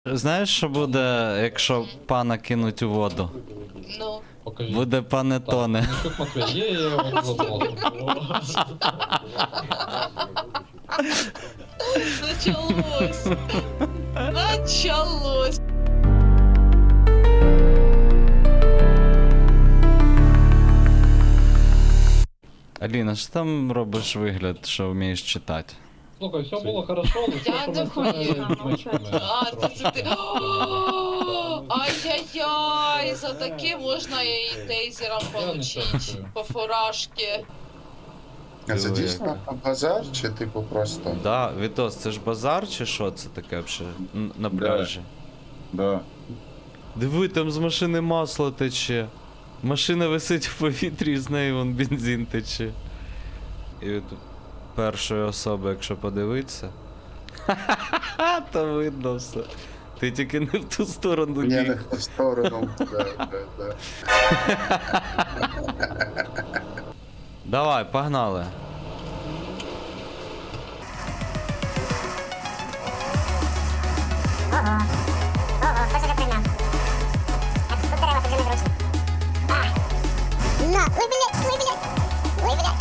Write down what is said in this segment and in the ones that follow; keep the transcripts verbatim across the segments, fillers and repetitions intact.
Знаєш, що буде, якщо пана кинуть у воду? Ну. Покажи. Буде пане тоне. Нічук Матвей, є, я його запросив. Началось. Началось. Аліна, що там робиш вигляд, що вмієш читати? Слухай, все було хорошо, але Я все, що не ми хочу. з А, ти це ти. О, ай-яй-яй, за таке можна і тейзером получить. По фуражці. А це Диви, дійсно яка. базар чи типу просто? Да, Вітос, це ж базар чи що це таке взагалі Н- на пляжі? Да. Диви, там з машини масло тече. Машина висить в повітрі, з неї вон бензин тече. І от першої особи, якщо подивитися. Ха-ха-ха, то видно все. Ти тільки не в ту сторону Ні, не біг. в ту сторону. Да, да, да. Давай, погнали. Ого, ого, хто це прийняв? А тут дерева тут вже незручно. А! На! Ой, блядь, ой, блядь! Ой, блядь!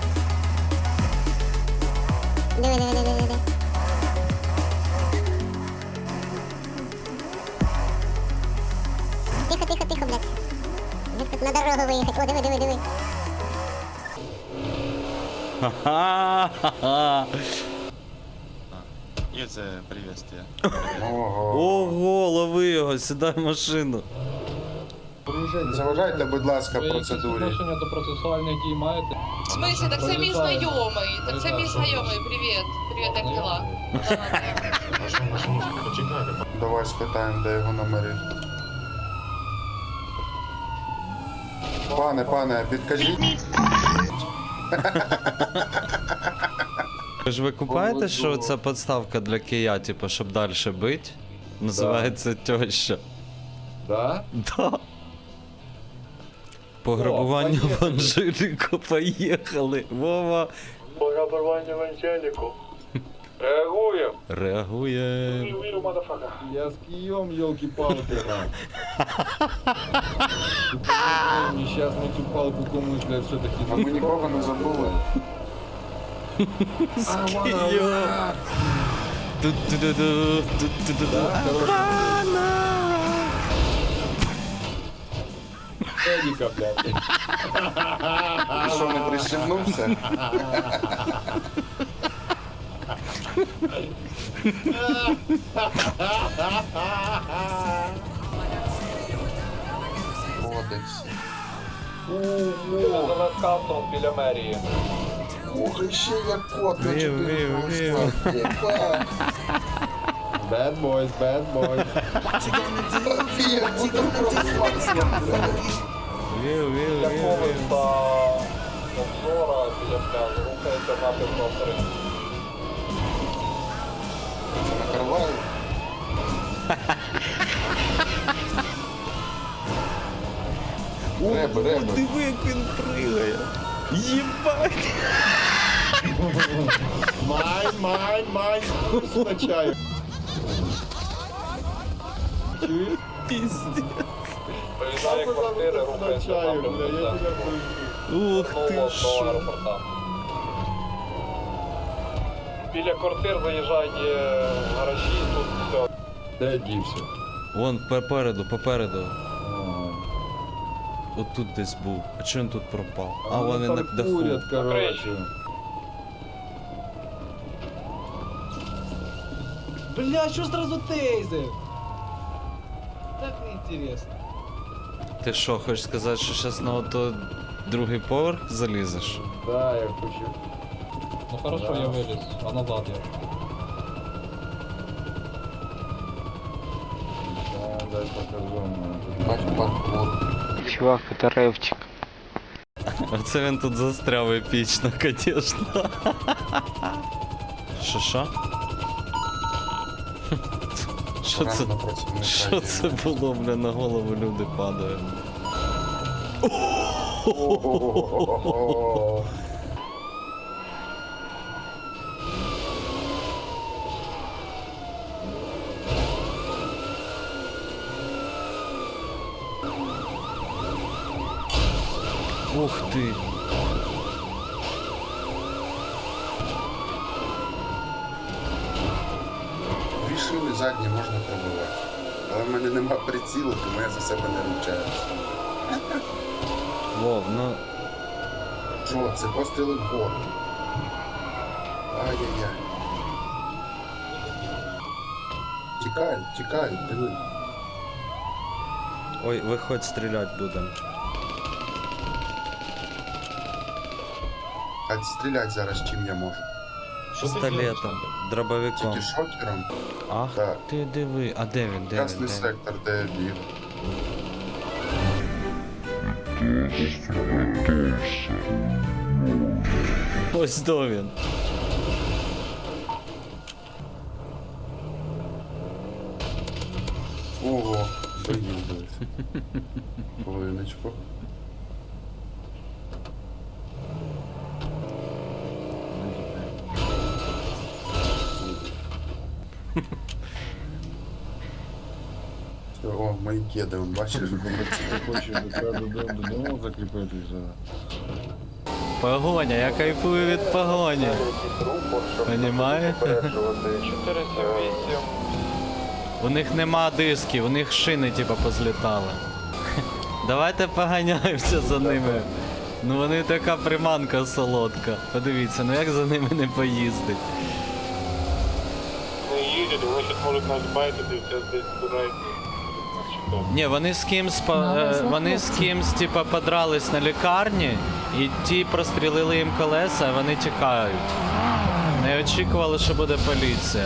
Диви, диви, диви, диви, диви. Тихо, тихо, тихо, блядь. Як тут на дорогу виїхати? О, диви, диви, диви. Ха-ха-ха. Ильза, приветствие. Ого. Ого, лови його, сідай в машину. Заважайте, будь ласка, Ви якісь процедурі. відношення до процесуальних дій маєте? В смысле, так це мій знайомий. Так це мій знайомий. Привіт. Привіт, як дела? Давай спитаємо, де його номери. Пане, пане, підкажіть. Ви ж ви купаєте, що це підставка для кия, типу, щоб далі бити? Називається теща. Да? Да. Пограбування О, в поїхали. Анжеліку, поїхали. Вова. Пограбування в Анжеліку. Реагуємо. Реагує. Я з Києм, елки-палки, на. Сейчас ми цю палку комусь, блядь, все-таки А ми нікого не забули. Києм. Ту-ту-ду-ду, ту-ту-ду-ду. Едіка, блядь. Ти що, не пристібнувся? Кодекс. За вебкамтом біля мерії. Ух, і ще як кот на Вів, чотири вів, голоса. Єбать. Bad boys, bad boys. Фія, буду просто. Вів, вів, Для вів, когось вів. та обзора біля пляжу рухається напрямку авторин. Це накриваю. Реби, реби. Диви, як він пригає. Єбать. Майн, майн, майн, скачаю. Чуєш? Піздець. Виїжджає квартири, рухається напрямку центру. Ух ти що. Біля квартир заїжджає в гаражі, тут все. Де дівся? Вон попереду, попереду. Отут десь був. А чого він тут пропав? А, вони на даху. короче. Бля, что сразу тейзер? Так неинтересно. Ти що, хочеш сказати, що зараз на ото другий поверх залізеш? Да, я хочу. Ну хорошо, я виліз, а назад я. Да, дай покажу. Бать паркур. Чувак, это рэпчик. Оце він тут застряв епічно, звісно. Що що? Що це? Реально працівника Що є. це було, бля, на голову люди падають? О-о-о-о-о-о. Ух ти. Дві шини задні можна пробивати. Але в мене нема прицілу, тому я за себе не ручаюсь. Вов, ну. Що, це постріли вгору. Ай-яй-яй. Тікай, тікай, диви. Ой, виходь, стріляти будемо. А стріляти зараз чим я можу? Пістолетом, дробовиком. Тільки шокером? Ах Так. ти диви. А де він? Де він? Красний Де він? сектор, де я біг. Ось до він. Ого, доїздились. Хвилиночку. О, мої кеди, он бачиш? Хочу до тебе додому, додому закріпитися. Погоня, я кайфую від погоні. Понімаєте? чотириста вісім. У них нема дисків, у них шини типа позлітали. Давайте поганяємося за ними. Ну вони така приманка солодка. Подивіться, ну як за ними не поїздить. Не їдять, вони щось можуть нас байтити, зараз десь збирають. Ні, вони з кимсь по- е, вони з кимсь типа подрались на лікарні, і ті прострілили їм колеса, а вони тікають. Не очікували, що буде поліція.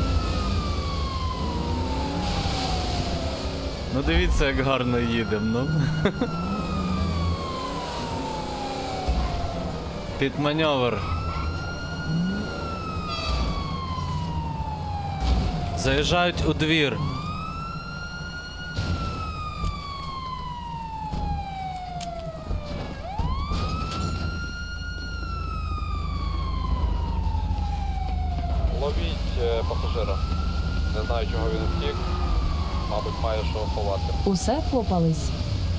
Ну дивіться, як гарно їдемо, ну. Під маневр. Заїжджають у двір. Ловіть е, пасажира. Не знаю, чого він втік. Мабуть, має що ховати. Усе попались.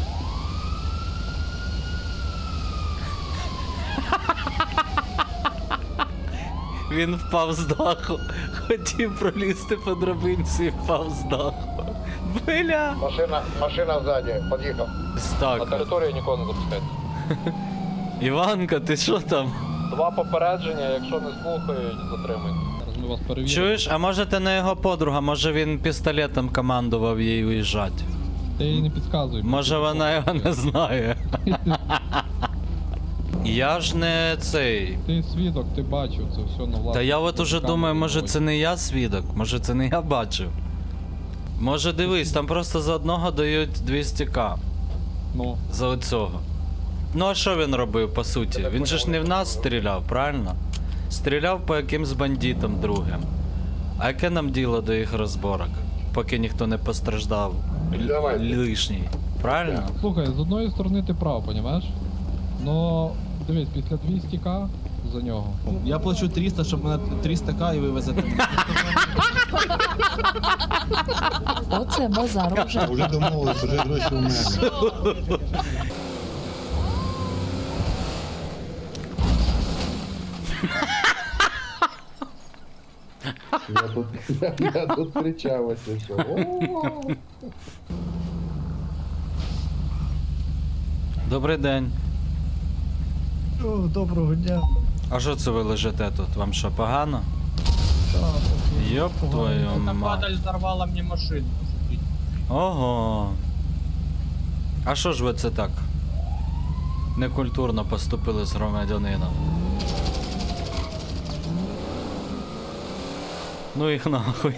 Він впав з даху. Хотів пролізти по драбинці і впав з даху. Бля! Машина, машина ззаді, під'їхав. На Так. територію нікого не запускайте. Іванка, ти що там? Два попередження, якщо не слухають, затримуйте. Зараз ми вас перевіримо. Чуєш, а може ти не його подруга, може він пістолетом командував їй уїжджати. Ти їй не підказуй. Може вона його не знає. Я ж не цей. Ти свідок, ти бачив це все на власні. Та я от уже камери думаю, може бачив. це не я свідок, може це не я бачив. Може дивись, там просто за одного дають двісті ка. Ну, За оцього. Ну а що він робив по суті? Він же ж не в нас стріляв, правильно? Стріляв по якимсь бандитам другим. А яке нам діло до їх розборок? Поки ніхто не постраждав лишній. Правильно? слухай, з одної сторони ти прав, понімаєш? Но дивись, після двісті ка за нього. Я плачу триста, щоб мене триста к і вивезете. Оце базар уже. Вже домовились, вже гроші у мене. Я тут, я тут кричалася, що о. Добрий день. Доброго дня. А що це ви лежите тут? Вам що, погано? Йоп твою мать. взорвала мені машину. Ого. А що ж ви це так? Некультурно поступили з громадянином. Ну їх нахуй.